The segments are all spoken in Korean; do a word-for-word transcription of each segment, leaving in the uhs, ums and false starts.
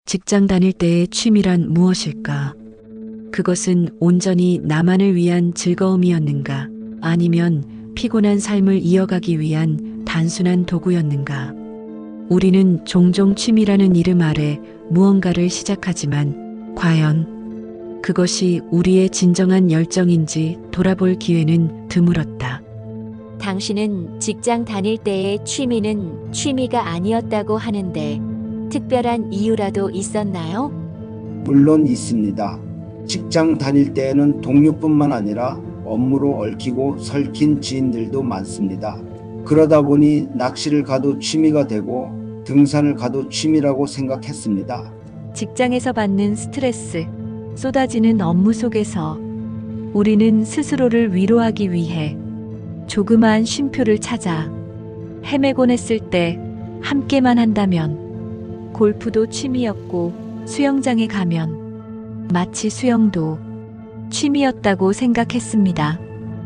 직장 다닐 때의 취미란 무엇일까? 그것은 온전히 나만을 위한 즐거움이었는가? 아니면 피곤한 삶을 이어가기 위한 단순한 도구였는가? 우리는 종종 취미라는 이름 아래 무언가를 시작하지만 과연 그것이 우리의 진정한 열정인지 돌아볼 기회는 드물었다. 당신은 직장 다닐 때의 취미는 취미가 아니었다고 하는데 특별한 이유라도 있었나요? 물론 있습니다. 직장 다닐 때에는 동료뿐만 아니라 업무로 얽히고 설킨 지인들도 많습니다. 그러다 보니 낚시를 가도 취미가 되고 등산을 가도 취미라고 생각했습니다. 직장에서 받는 스트레스, 쏟아지는 업무 속에서 우리는 스스로를 위로하기 위해 조그마한 쉼표를 찾아 헤매곤 했을 때 함께만 한다면 골프도 취미였고 수영장에 가면 마치 수영도 취미였다고 생각했습니다.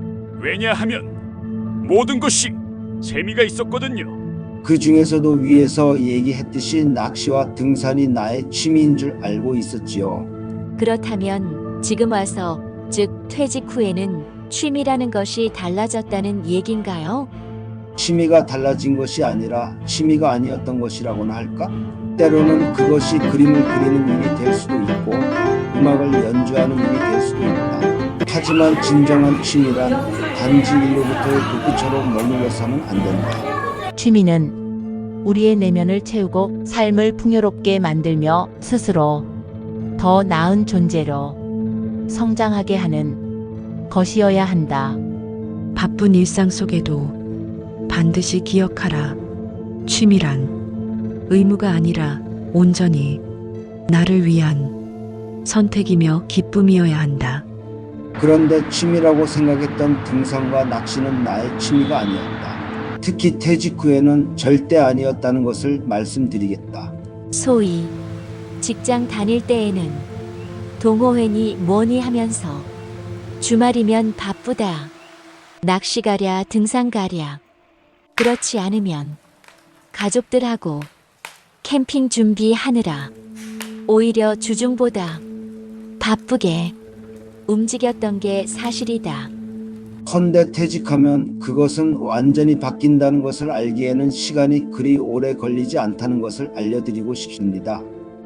왜냐하면 모든 것이 재미가 있었거든요. 그 중에서도 위에서 얘기했듯이 낚시와 등산이 나의 취미인 줄 알고 있었지요. 그렇다면 지금 와서, 즉 퇴직 후에는 취미라는 것이 달라졌다는 얘긴가요? 취미가 달라진 것이 아니라 취미가 아니었던 것이라고나 할까? 때로는 그것이 그림을 그리는 일이 될 수도 있고 음악을 연주하는 일이 될 수도 있다. 하지만 진정한 취미란 단지 일로부터의 도구처럼 머물러서는 안 된다. 취미는 우리의 내면을 채우고 삶을 풍요롭게 만들며 스스로 더 나은 존재로 성장하게 하는 것이어야 한다. 바쁜 일상 속에도 반드시 기억하라. 취미란 의무가 아니라 온전히 나를 위한 선택이며 기쁨이어야 한다. 그런데 취미라고 생각했던 등산과 낚시는 나의 취미가 아니었다. 특히 퇴직 후에는 절대 아니었다는 것을 말씀드리겠다. 소위 직장 다닐 때에는 동호회니 뭐니 하면서 주말이면 바쁘다. 낚시 가랴 등산 가랴. 그렇지 않으면 가족들하고 캠핑 준비하느라 오히려 주중보다 바쁘게 움직였던 게 사실이다. 헌데 퇴직하면 그것은 완전히 바뀐다는 것을 알기에는 시간이 그리 오래 걸리지 않다는 것을 알려드리고 싶습니다.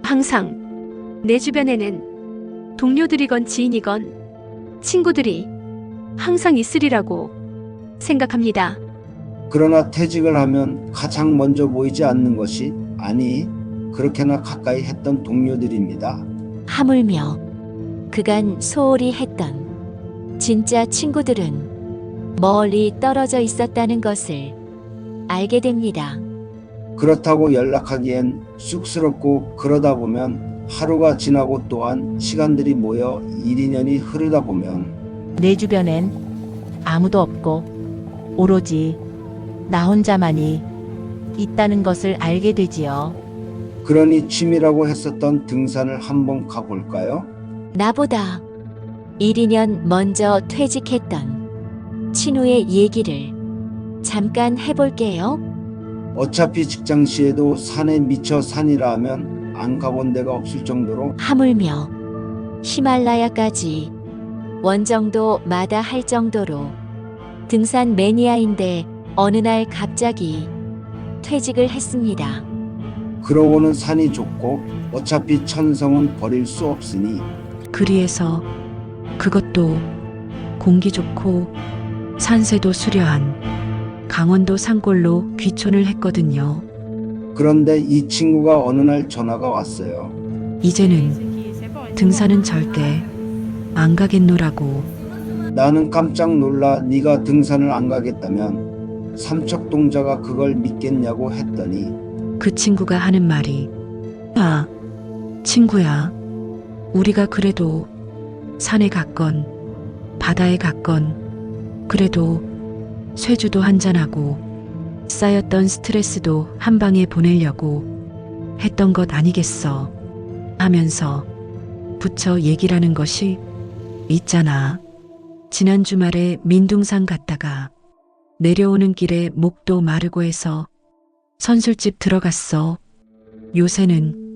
항상 내 주변에는 동료들이건 지인이건 친구들이 항상 있으리라고 생각합니다. 그러나 퇴직을 하면 가장 먼저 보이지 않는 것이, 아니 그렇게나 가까이 했던 동료들입니다. 하물며 그간 소홀히 했던 진짜 친구들은 멀리 떨어져 있었다는 것을 알게 됩니다. 그렇다고 연락하기엔 쑥스럽고, 그러다 보면 하루가 지나고 또한 시간들이 모여 일, 이 년이 흐르다 보면 내 주변엔 아무도 없고 오로지 나 혼자만이 있다는 것을 알게 되지요. 그러니 취미라고 했었던 등산을 한번 가볼까요? 나보다 일, 이 년 먼저 퇴직했던 친구의 얘기를 잠깐 해볼게요. 어차피 직장 시에도 산에 미쳐 산이라 하면 안 가본 데가 없을 정도로 하물며 히말라야까지 원정도 마다할 정도로 등산 매니아인데 어느 날 갑자기 퇴직을 했습니다. 그러고는 산이 좋고 어차피 천성은 버릴 수 없으니 그리해서 그것도 공기 좋고 산세도 수려한 강원도 산골로 귀촌을 했거든요. 그런데 이 친구가 어느 날 전화가 왔어요. 이제는 등산은 절대 안 가겠노라고. 나는 깜짝 놀라 네가 등산을 안 가겠다면 삼척동자가 그걸 믿겠냐고 했더니 그 친구가 하는 말이, 아, 친구야, 우리가 그래도 산에 갔건 바다에 갔건 그래도 쇠주도 한잔하고 쌓였던 스트레스도 한 방에 보내려고 했던 것 아니겠어 하면서 붙여 얘기라는 것이 있잖아. 지난 주말에 민둥산 갔다가 내려오는 길에 목도 마르고 해서 선술집 들어갔어. 요새는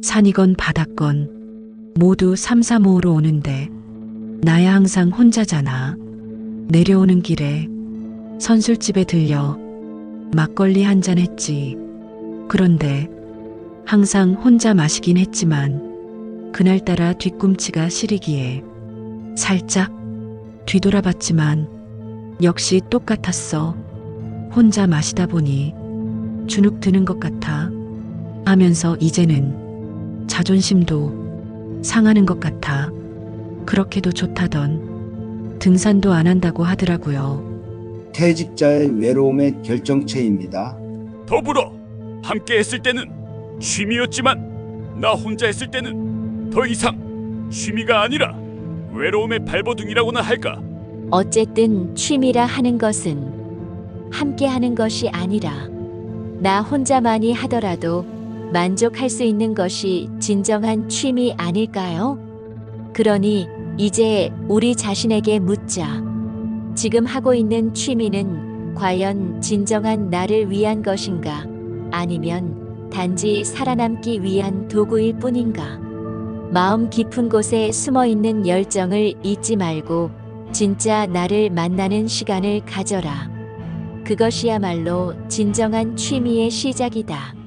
산이건 바다건 모두 삼삼오오로 오는데 나야 항상 혼자잖아. 내려오는 길에 선술집에 들려 막걸리 한잔 했지. 그런데 항상 혼자 마시긴 했지만 그날따라 뒤꿈치가 시리기에 살짝 뒤돌아봤지만 역시 똑같았어. 혼자 마시다 보니 주눅 드는 것 같아 하면서 이제는 자존심도 상하는 것 같아. 그렇게도 좋다던 등산도 안 한다고 하더라고요. 퇴직자의 외로움의 결정체입니다. 더불어 함께 했을 때는 취미였지만 나 혼자 했을 때는 더 이상 취미가 아니라 외로움의 발버둥이라고나 할까? 어쨌든 취미라 하는 것은 함께 하는 것이 아니라 나 혼자만이 하더라도 만족할 수 있는 것이 진정한 취미 아닐까요? 그러니 이제 우리 자신에게 묻자. 지금 하고 있는 취미는 과연 진정한 나를 위한 것인가? 아니면 단지 살아남기 위한 도구일 뿐인가? 마음 깊은 곳에 숨어 있는 열정을 잊지 말고 진짜 나를 만나는 시간을 가져라. 그것이야말로 진정한 취미의 시작이다.